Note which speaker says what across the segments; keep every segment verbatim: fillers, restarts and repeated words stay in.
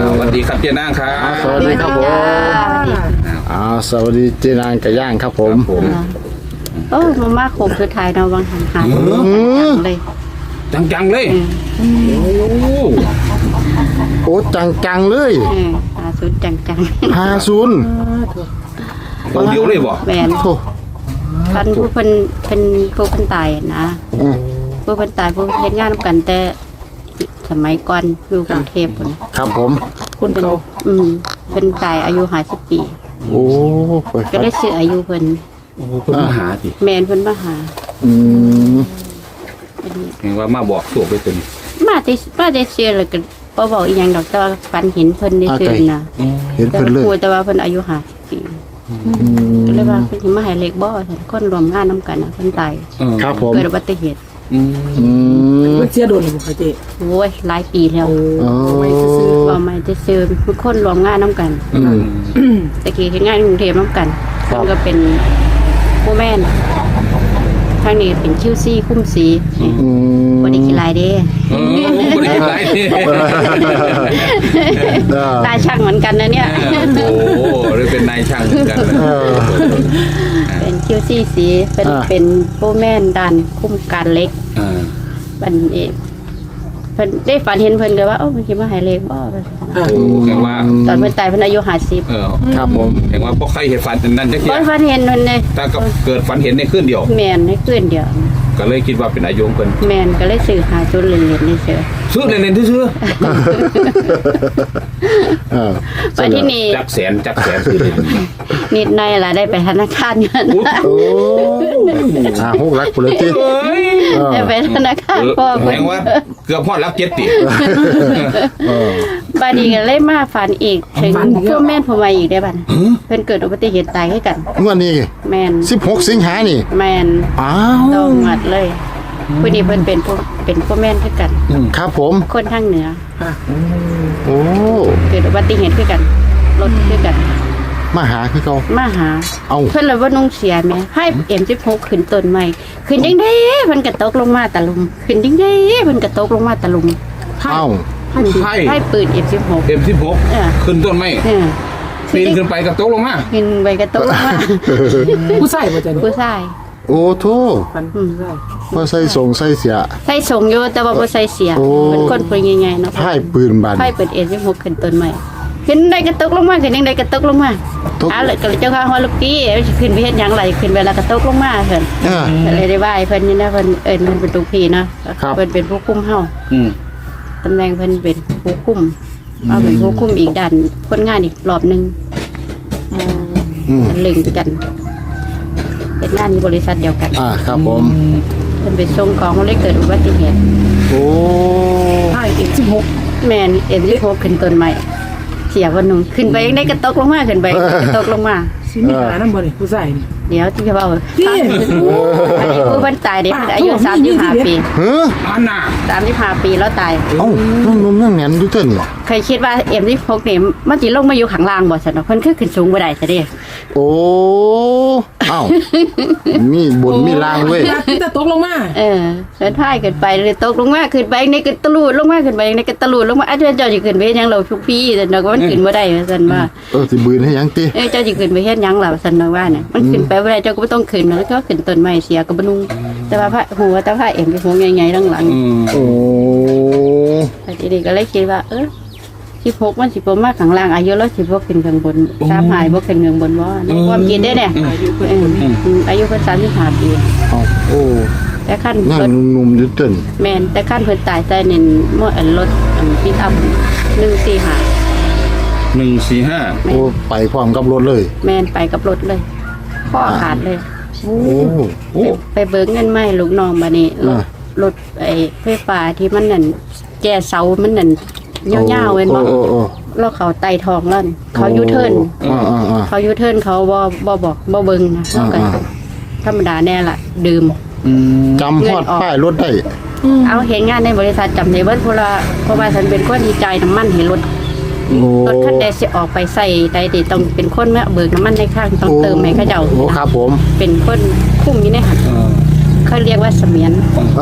Speaker 1: สวัสดีครับเจนางครับ
Speaker 2: สวัสดีครับผมอ่าสวัสดีเจนางไก่ย่างครับผมผม
Speaker 3: โอ้มามาโคงสุดท้ายเนาะบางหันหายเลย
Speaker 1: จังๆเลยโอ้
Speaker 2: โอ้จังจังๆเลย
Speaker 3: เออหาสุดจังจัง
Speaker 2: ห้าศูนย์
Speaker 1: ตัวเดียวเลยบ่
Speaker 3: แมน
Speaker 2: โอ้
Speaker 3: ท่านผู้เพิ่นเป็นผู้เพิ่นตายนะ
Speaker 2: อืม
Speaker 3: ผู้เพิ่นตายผู้เฮ็ดงานนำกันแต่สมัยก่อนอยู่กรุงเทพพุ่น
Speaker 2: ครับผม
Speaker 3: คุณเป็นอืมเพิ่นตายอายุห้าสิบปี
Speaker 2: โอ้ไป
Speaker 3: ก็ได้ซื้ออายุเพิ่น
Speaker 1: โอ้เพิ่นมาหาสิ
Speaker 3: แมนเพิ่นมาหา
Speaker 2: อืม
Speaker 3: อันนี้
Speaker 1: เห็นว่ามาบอกตัวไปตัวนี้
Speaker 3: มาได้มาได้ซื้อแล้วก็บ่บอกอีหยังดอกแต่ว่าฝันเห็นเพิ่นได้ซื้อนะ
Speaker 2: เห็น
Speaker 3: แต่
Speaker 2: เพิ่นเลย
Speaker 3: ครูแต่ว่าเพิ่นอายุห้าสิบปี
Speaker 2: อืม
Speaker 3: ก็เลยว่าเพิ่นสิมาให้เลขบ่ซั่นคนรวมงานนํกันน่ะเพิ่นตาย
Speaker 2: ครับผม
Speaker 3: เกิดอุบัติเหตุ
Speaker 1: อืม
Speaker 2: อืม
Speaker 4: มันเสียโดนหรือเปล่าเจ๊
Speaker 3: โอ้ยหลายปีแล้ว
Speaker 2: อ๋อ
Speaker 4: ไม่ซื้อ
Speaker 3: บ่ไม่ได้ซื้อทุกคนรวมงานนํกัน
Speaker 2: อืม
Speaker 3: ตะกี้เฮ็ดงานในกรุงเทพนํกัน
Speaker 2: ครับ
Speaker 3: เพิ่นก็เป็นผู้แม่นทางนี้เป็นคิวซีคุ้มสี
Speaker 2: อืม
Speaker 3: บ่ได้กินหลายเด้
Speaker 1: เออบ่ได้หลายนี่
Speaker 2: เออ
Speaker 3: ตาช่างเหมือนกันนะเนี่ย
Speaker 1: โอ้หรือเป็นนายช่างเหมือนกันนะ
Speaker 2: เออ
Speaker 3: เป็นคิวซีสีเป็น
Speaker 2: อ่า
Speaker 3: เป็นผู้แม่นด้านคุ้มการเล็ก
Speaker 1: อ่า
Speaker 3: บันเองเพิ่นได้ฝันเห็นเพิ่นก็ว่าเอ้ามันสิมาให้เลขบ่
Speaker 1: โอ้แข่งว่า
Speaker 3: ตอนเพิ่นตายเพิ่นอายุห้าสิบ
Speaker 1: เออ
Speaker 2: ครับผม
Speaker 1: แข่งว่าพวกใครเห็นฝันนั่นจักเที
Speaker 3: บ่
Speaker 1: ย
Speaker 3: ฝันเห็นเพิ่นเลย
Speaker 1: ถ้ากับเกิดฝันเห็นในคืนเดียว
Speaker 3: แม่นในคืนเดียว
Speaker 1: ก็เลยคิดว่าเป็นอายุของเพิ่น
Speaker 3: แม่นก็เลยซื้อหาจุดเล่นๆนี่เสือ
Speaker 1: ซื้อเล่นๆซื่อ
Speaker 2: เออ
Speaker 3: ไปที่นี่
Speaker 1: ๆจักแสนจักแสนซื้อเล่น
Speaker 3: นิดหน่อยล่ะได้ไปธนาคารเงิน
Speaker 2: โอ้อ่าหกรักปุริจิ
Speaker 1: เอ้ย
Speaker 2: เออ
Speaker 3: ได้ไปธนาคารพ่อ
Speaker 1: แส
Speaker 3: เพิ่
Speaker 1: ด
Speaker 3: น
Speaker 1: งว่าเกือบฮอดรับเจ็ดติ
Speaker 2: เออ
Speaker 3: บัดนี้ก็เลยมาฝันอีกถึงผู้แม่นผู้ใหม่อีกได้บัดเพิ่นเกิดอุบัติเหตุตายคือกัน
Speaker 2: งวดนี้
Speaker 3: แม่น
Speaker 2: สิบหกสิงหานี่
Speaker 3: แม่น
Speaker 2: อ้าว
Speaker 3: ต้องหมัดเลยผู้นี้เพิ่นเป็นผู้เป็นผู้แม่นคือกัน
Speaker 2: ครับผม
Speaker 3: คนทางเหนือ
Speaker 2: โอ้
Speaker 3: เกิดอุบัติเหตุคือกันรถคือกัน
Speaker 2: มาหาคือเขา
Speaker 3: มาหา
Speaker 2: เอา
Speaker 3: เพิ่นเลยว่านุ่งเสียแหม่ให้ เอ็ม สิบหก ขึ้นต้นใหม่ขึ้นจังได๋เพิ่นก็ตกลงมาตะลุมขึ้นจังได๋เพิ่นก็ตกลงมาตะลุม
Speaker 2: เอ้า
Speaker 1: ไพ่
Speaker 3: ให้ปืน เอ็ม สิบหก
Speaker 1: เอ็มสิบหก
Speaker 3: เออ
Speaker 1: ขึ้นต้นไม้
Speaker 3: เออ
Speaker 1: ปีนขึ้นไปกับโต๊ะลงมา
Speaker 3: ขึ้นไปก็ตกลงมา
Speaker 4: ผู้ใส่มาจากนี่
Speaker 3: ผู้ชาย
Speaker 2: โอ้โท
Speaker 4: ฟัน
Speaker 3: อืม
Speaker 4: ผู้ใส่
Speaker 2: ว่าใส่ส่งใส่เสีย
Speaker 3: ใส่ส่งอยู่แต่ว่าบ่ใส่เสีย
Speaker 2: โอ้
Speaker 3: เป็นคนปืนใหญ่ๆเนาะ
Speaker 2: พ่ายปืนบาน
Speaker 3: ให้ปืน เอ็ม สิบหก ขึ้นต้นใหม่ขึ้นได้ก็ตกลงมาขึ้นจังไดก็ตกลงมา
Speaker 2: ตก
Speaker 3: อ้าวแล้วก็เจ้าข้าฮอดลูกกี้สิขึ้นไปเฮ็ดหยังล่ะขึ้นไปแล้วก็ตกลงมาเพิ่น
Speaker 2: เออ
Speaker 3: ก็เลยได้ไหว้เพิ่นนี่นะเพิ่นเอิ้นเพิ่นเป็นลูกพี่เนาะ
Speaker 2: ครับ
Speaker 3: เพิ่นเป็นผู้คุมเฮา
Speaker 1: อืม
Speaker 3: ตำแหน่งเพิ่นเป็นผู้คุมเอาเป็นผู้คุมอีกด้านคนงานอีกรอบหนึง
Speaker 2: อืม
Speaker 3: ลึงกันเป็นงานที่บริษัทเดียวกัน
Speaker 2: อ่าครับผม
Speaker 3: เพิ่นไปส่งของเลยเกิดอุบัติเหตุ
Speaker 2: โอ้
Speaker 4: ใช่เอ็กสิบหก
Speaker 3: แม่นเอ็นสิบหกขึ้นต้นใหม่เสียวันหนึงขึ้นไปยังได้กระตกลงมาขึ้นไปกระตกลงมา
Speaker 4: สิมีหาน้ำบ่นี่ผู้ใส่นี่
Speaker 3: เดี๋ยวที่จะเว้า
Speaker 4: พี่
Speaker 3: อันนี้ผู้เพิ่นตายเด็กอายุสามสิบห้าปี
Speaker 2: เฮ้อ
Speaker 1: อันน่ะ
Speaker 3: สามสิบห้าปีแล้วตาย
Speaker 2: เอ้าน้องนมนั่งแหนนอยู่เต้นเหรอ
Speaker 3: เคยคิดว่า เอ็ม สิบหก นี่มันสิลงมาอยู่ข้างล่างบ่ซั่นเนาะเพิ่นคือขึ้นสูงบ่ได้ซะเด้
Speaker 2: โอ้เอ้ามีบนมีล่างเว้ย
Speaker 4: อยากที่จะตกลงมา
Speaker 3: เออเพิ่นพายขึ้นไปเลยตกลงมาขึ้นไปในกระตะลูดลงมาขึ้นไปในกระตะลูดลงมาอาจารย์เจ้าสิขึ้นไปเฮ็ดหยังเราทุกพี่ซั่นเนาะก็มันขึ้นบ่ได้ว่าซั่นว่า
Speaker 2: เออสิบืนให้หยังติ
Speaker 3: เอ้ยเจ้าสิขึ้นไปเฮ็ดหยังล่ะว่าซั่นเนาะว่าเนี่ยมันขึ้นไปบ่ได้เจ้าก็บ่ต้องขึ้นแล้วก็ขึ้นต้นไม้เสียก็บ่นุ่งแต่ว่าพระหัวแต่พระเอ็มไปหัวใหญ่ๆหลัง
Speaker 1: อืม
Speaker 2: โอ้
Speaker 3: ๆแต่ทีนี้ก็เลยคิดว่า เออสิบหกมันสิบ่มาข้างล่างอายุเราสิบ่ขึ้นข้างบนสามหายบ่ขึ้นข้างบนบ่ในความคิดเด้เนี่ยเอออืมอายุเพิ่นสามสิบห้าปี
Speaker 2: เอ้าโอ้
Speaker 3: แต่ขั้น
Speaker 2: นั่ง
Speaker 3: รถ
Speaker 2: นุ่มๆอยู่เต้น
Speaker 3: แม่นแต่ขั้นเพิ่นตายใส่นี่มออันรถอันปิกอัพหนึ่งสี่ห้า
Speaker 1: หนึ่งสี่ห้า
Speaker 2: โอ้ไปพร้อมกับรถเลย
Speaker 3: แม่นไปกับรถเลยข้อขาดเลย
Speaker 2: โอ้
Speaker 1: โอ้
Speaker 3: ไปเบิกเงินมาให้ลูกน้องบัดนี้รถ
Speaker 2: อ่าร
Speaker 3: ถไอ้ไฟฟ้าที่มันนั่นแก่เสามันนั่นยาวๆเว้นบ่
Speaker 2: โอ้โอ้
Speaker 3: แล้วเขาไต่ทองแล้วนี่เขายูเทิร์น
Speaker 2: อ่าอ่าอ่า
Speaker 3: เขายูเทิร์นเขาบ่บ่บอกบ่เบิ่งนะแล้วก็
Speaker 2: อ่า
Speaker 3: ธรรมดาแน่ล่ะ ดื่ม
Speaker 1: อืม
Speaker 2: จำฮอดป้ายรถได้
Speaker 3: เอาเห็นงานในบริษัทจำได้เบิดเพราะว่าเพราะว่าฉันเป็นคนที่จ่ายน้ำมันให้รถ
Speaker 2: โอ้
Speaker 3: รถคันใดสิออกไปใส่ใดติต้องเป็นคนเมื่อเบิกน้ำมันในข้างต้องเติมให้เขาเจ้า
Speaker 2: โอ้ครับผม
Speaker 3: เป็นคนคุ้มอยู่ในหัน
Speaker 1: เออ
Speaker 3: เคเขาเรียกว่าเสมียน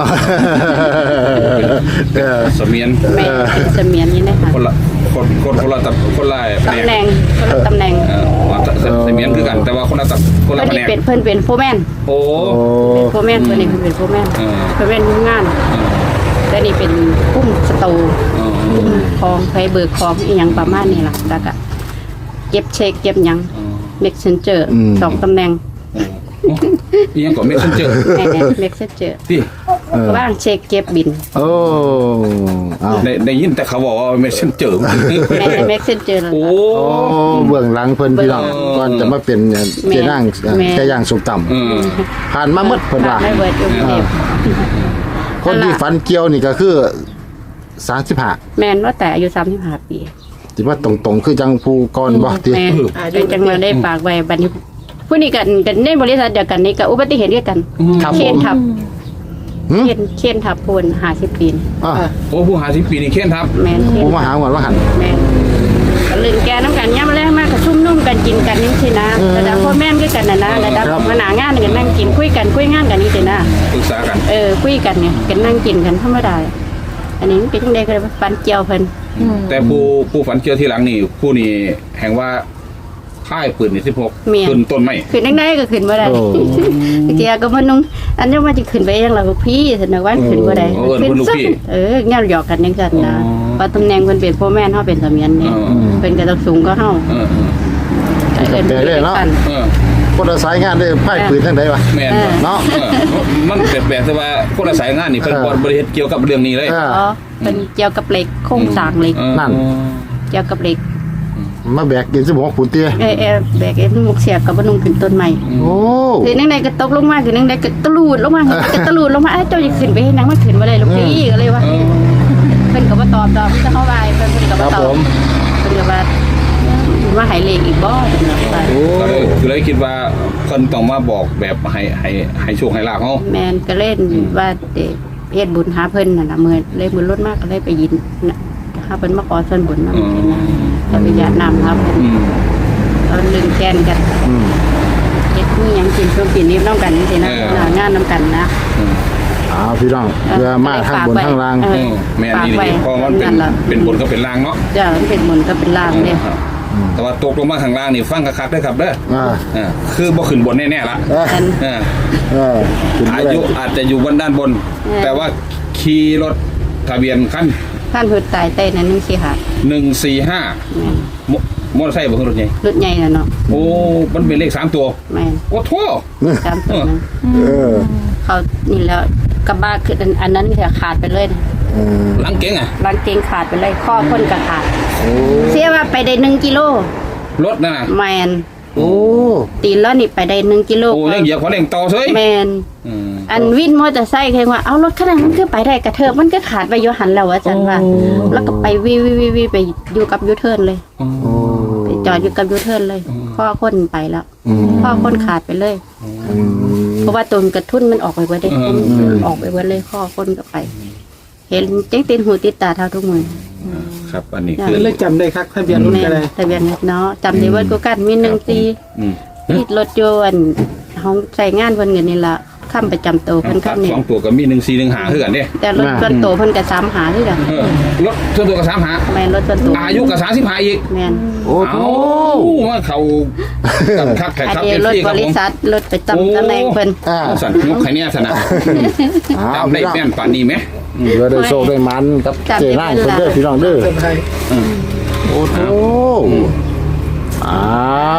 Speaker 2: เออ
Speaker 1: เสมียน
Speaker 3: แม่เป็นเสมียนนี่นะคะ
Speaker 1: คนละคนคนคนละตับคนละแผน
Speaker 3: ตำแหน่งคนละตำแหน่ง
Speaker 1: เออว่าเสมียนคือกันแต่ว่าคนละตับคนละ
Speaker 3: เพิ่น
Speaker 1: แผน
Speaker 3: นี่
Speaker 1: ก
Speaker 3: เป็นเพิ่นเป็นโฟร์แมน
Speaker 1: โอ้
Speaker 2: โอ้
Speaker 3: โฟร์แมนเพิ่นนี่เพิ่นเป็นโฟร์แมน
Speaker 1: เออ
Speaker 3: โฟร์แมนทำงานแต่นี่เป็นกุ้มสตู
Speaker 1: เออ
Speaker 3: กุ้มคลองไปเบิกคลองอีหยังประมาณนี้ล่ะแล้วก็เก็บเช็คเก็บหยังเม็กเซนเจอร์สองตำแหน่ง
Speaker 1: อีหยังก็เมสเซนเจอร์
Speaker 3: แม่เม็กเซนเจอร์
Speaker 1: ที่
Speaker 3: ว่างเช็คเก็บบิน
Speaker 2: โอ้เอา
Speaker 1: ได้ได้ยินแต่เขาบอกว่าเมสเซนเจอร์
Speaker 3: แม่เม็กเซนเจอร์
Speaker 1: โอ้
Speaker 2: โอ้เบื้องหลังเพิ่นพี่น้อง
Speaker 1: เออ
Speaker 2: ก่อนจะมาเป็นเจ้านั่ง
Speaker 3: แม่
Speaker 2: แค่ย่างสุกต่
Speaker 1: เออ
Speaker 2: ำผ่านมาหมดเพิ่นว่า
Speaker 3: ไม่เบิดอยู่กรุงเทพ
Speaker 2: คนที่ฝันเกี่ยวนี่ก็คือสามสิบห้า
Speaker 3: แม่นว่าแต่อายุสามสิบห้าปี
Speaker 2: ที่ว่าตรงๆคือจังผู้ก่อนบ่ติ
Speaker 3: แม่เป็นจังมาได้ฝากไว้บัดนี้ผู้นี้กันกันในบริษัทเดียวกันนี่ก็อุบัติเหตุเดียวกัน
Speaker 2: ครับ
Speaker 3: เคน
Speaker 2: ผม
Speaker 3: ทับ
Speaker 2: หึ
Speaker 3: เคนเคนทับปูนห้าสิบปีน
Speaker 2: อ่ะ
Speaker 1: โอ้ผู้หาสิบปีนี่เขียนทับ
Speaker 3: แม่นเคน
Speaker 2: ผู้มาหาหวานว่าหัน
Speaker 3: แม่นก็ลื่นแกน้ำกันย่ำแรงมากก็ชุ่มนุ่มกันกินกันนี่สินะ
Speaker 2: อืม
Speaker 3: ระดับพ่อแม่นคือกันนะนะระดับ
Speaker 2: ครับ
Speaker 3: มาหนางานกันนั่งกินคุยกันคุยงานกันนี่สินะ
Speaker 1: ปรึกษากัน
Speaker 3: เออคุยกันเนี่ยกันนั่งกินกันธรรมดาอันนี้มันเป็นจังไดก็เลยว่าปันเจียวเพิ่น
Speaker 1: แต่ผู้ผู้ฝันเกี่ยวที่หลังนี่ผู้นี่แห่งว่าค่ายปืนนี่สิบหกขึ้นต้นไม้
Speaker 3: ขึ้นได้ก็ขึ้นบ่ได้
Speaker 2: โอ้
Speaker 3: เจียก็มันนุ่งอันนี้มันจะขึ้นไปยังเราพี่สนว่าขึ้นบ่ได้
Speaker 1: เออเพิ่นลูกพี่
Speaker 3: เออแนวหยอกกันจังซั่นนะ
Speaker 1: อ๋อ
Speaker 3: ว่าตำแหน่งเพิ่นเป็นพ่อแม่นเฮาเป็นเสมียนเนี่ย
Speaker 1: เออ
Speaker 3: เพิ่นก็ต้องสูงก็เฮา
Speaker 1: เออเออ
Speaker 3: ก็เอิ้น
Speaker 2: แต่เลยเนาะ
Speaker 3: กัน
Speaker 1: เออ
Speaker 2: คนละสายงานได้ไพ่ปืนทั้งใดวะ
Speaker 1: แม่น
Speaker 2: เนาะ
Speaker 1: เออมันแบบแบบที่ว่าคนละสายงานนี่เพิ่น
Speaker 2: เออ
Speaker 1: บ่บริเฮ็ดเกี่ยวกับเรื่องนี้เลย
Speaker 2: เออ
Speaker 3: อ๋อเป็นเกี่ยวกับเหล็กโครงสร้างเหล็ก
Speaker 1: เออ
Speaker 2: นั่น
Speaker 3: เกี่ยวกับเหล็ก
Speaker 2: มาแบกกินสิบหกขุนเตี้ย
Speaker 3: เออเออแบกไอ้หมวกเสียบกับบ่นุ่งขึ้นต้นไม้
Speaker 2: โอ้
Speaker 3: คือนั่งใดก็ตกลงมาคือนั่งใดก็ตะลูดลงมาก็ตะลูดลงมาเอ้ยเจ้าจะขึ้นไปเฮ็ดหยังมันขึ้นบ่ได้ลูกพี่ก็เลยว่า
Speaker 1: เออ
Speaker 3: เพิ่นก็บ่ตอบดอกเพิ่นก็เข้าไปเพิ่นเพิ่นก็
Speaker 2: ค
Speaker 3: บ่
Speaker 2: รับ
Speaker 3: ตอ
Speaker 2: ผ
Speaker 3: บ
Speaker 2: ม
Speaker 3: เพิ่นก็ว่าว่าให้เลขอีกบ่จังซั่น
Speaker 2: โอ้
Speaker 1: ก็เลยก็เลยคิดว่าเพิ่นต้องมาบอกแบบให้ให้ให้โชคให้ลาภเฮา
Speaker 3: แม่นก็เล่นว่าเด็กเฮ็ดบุญหาเพิ่นน่ะนะมื้อเลยมื้อรถมากก็เลยไปยินน่ะหาเพิ่นมาขอส่วนบุญนำเพิ่นนะก็ไปญาตินำครับเพิ่น
Speaker 1: อืม
Speaker 3: เอาลืมแกนกัน
Speaker 2: อืม
Speaker 3: เฮ็ดมีหยังกินช่วงกินนี้นำกันจังซี่นะ
Speaker 1: เออ
Speaker 3: หน้างานนำกันนะ
Speaker 1: อืม
Speaker 2: เอาพี่น้องเพื่อมาทางบนทางล่าง
Speaker 3: เอ
Speaker 1: เออแม่นนี่นี่เพราะมันเป็นเป็นบนก็เป็นล่างเนาะ
Speaker 3: จ้ะมันเป็นบุญก็เป็นลางเด้
Speaker 1: ครับแต่ว่าตกลงมาข้างล่างนี่ฟังคักๆเด้อครับเด้อ
Speaker 2: อ่า
Speaker 1: เออคือบ่ขึ้นบนแน่ๆละ
Speaker 2: เออ
Speaker 3: อัน
Speaker 1: เออ
Speaker 2: เออขึ้น
Speaker 1: อา
Speaker 2: ไป
Speaker 1: ยุอาจจะอยู่บนด้านบน
Speaker 3: เออ
Speaker 1: แต่ว่าขี่รถทะเบียนคัน
Speaker 3: ท่านเพิ่นตายใต้นั้นนึงสิค่ะ
Speaker 1: หนึ่งสี่ห้า
Speaker 3: แม่น
Speaker 1: มมอเตอร์ไซค์บ่คือรถใหญ่
Speaker 3: รถใหญ่น่ะเนาะ
Speaker 1: โอ้มันเป็นเลขสามตัว
Speaker 3: แม่น
Speaker 1: โอ้โถ
Speaker 3: ตามตัวนั้น
Speaker 2: เออ
Speaker 3: เขานี่แล้วกระบะคืออันอันนั้นจะขาดไปเลยนะ
Speaker 2: เออ
Speaker 1: หลังเก๋งอ่ะ
Speaker 3: รางเกงขาดไปเลยข้อพ้นก็ขาด
Speaker 2: โอ้
Speaker 3: เสียว่าไปได้หนึ่งกิโล
Speaker 1: รถนั่นน่ะ
Speaker 3: แมน
Speaker 2: โอ้
Speaker 3: ตีนแล้วนี่ไปได้หนึ่งกิโล
Speaker 1: โอ้ยังเหยียบขอเร่งต่อเฉย
Speaker 3: แมน
Speaker 1: อืม
Speaker 3: อันวินมอเตอร์ไซค์เคยว่าเอารถขนาดนั้นคือไปได้กระเทิบมันก็ขาดไปโยหันแล้วว่าจันว่า แล้วก็ไปวิววิววิววิวไปอยู่กับยูเทิร์นเลย
Speaker 2: โอ้
Speaker 3: ไปจอดอยู่กับยูเทิร์นเลย ข้อค้นไปแล้ว
Speaker 2: อืม
Speaker 3: ข้อค้นขาดไปเลย
Speaker 2: อืม
Speaker 3: เพราะว่าตนกระทุนมันออกไปเบิดได้ออกไปเบิดเลยข้อค้นก็ไป เห็นเจ๊งตีนหูติดตาเท่าทุกมือ
Speaker 1: ครับอันนี้คือ
Speaker 4: เลยจำได้ครับทะเบียนรถ
Speaker 3: แม่
Speaker 4: ก็ได้
Speaker 3: ทะเบียนรถเนาะจำได้ว่ากูกันมีหนึ่งตี
Speaker 1: อืม
Speaker 3: ที่รถยนต์ห้องใส่งานเพิ่นกันนี่ละข้ามประจำตัวเพิ่น
Speaker 1: ครั
Speaker 3: ข้า
Speaker 1: บ
Speaker 3: มนี่
Speaker 1: สองตัวก็มีหนึ่งสี่หนึ่งหาคือกันเด้
Speaker 3: แต่รถส่วนตัวเพิ่นก็สามหาคือกัน
Speaker 1: เออรถส่วนตัวก็สามหา
Speaker 3: แม่นรถส่วนตัว
Speaker 1: อายุก็สามสิบห้าอีก
Speaker 3: แม่น
Speaker 2: โอ้โห
Speaker 1: เอาว่าเขากับคักแขก
Speaker 3: อัน
Speaker 1: ครับ
Speaker 3: นี้
Speaker 1: เอฟ
Speaker 3: รถ
Speaker 1: ซีครับ
Speaker 3: บริ
Speaker 1: ผม
Speaker 3: ษัทรถประจำตำแหน่งเพิ่น
Speaker 2: อ่า
Speaker 1: เอาสั่นยกไข่เนี่ยสนะ
Speaker 2: เอา
Speaker 1: จำได้
Speaker 2: พี่น้อง
Speaker 1: แม่นป่านนี้ไหม
Speaker 2: เพื่อได้โชคได้มันกับเจ้นั่งคนเด้อพี่น้องเด้อ
Speaker 4: เซอร์ไพรส์
Speaker 2: โอ้โหอ้าว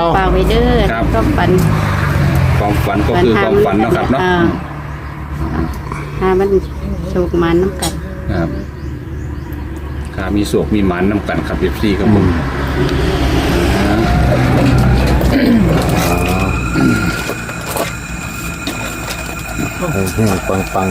Speaker 3: ฝากไว้เด้อก็ปัน
Speaker 1: ความฝันก็คือความฝันเนาะครับเนาะ
Speaker 3: อ่หามันโชคมันน้ำกัน
Speaker 1: ครับขามีสวกมีหมันนำกันครับเอฟซีครับผม
Speaker 2: เฮ้ยปังปัง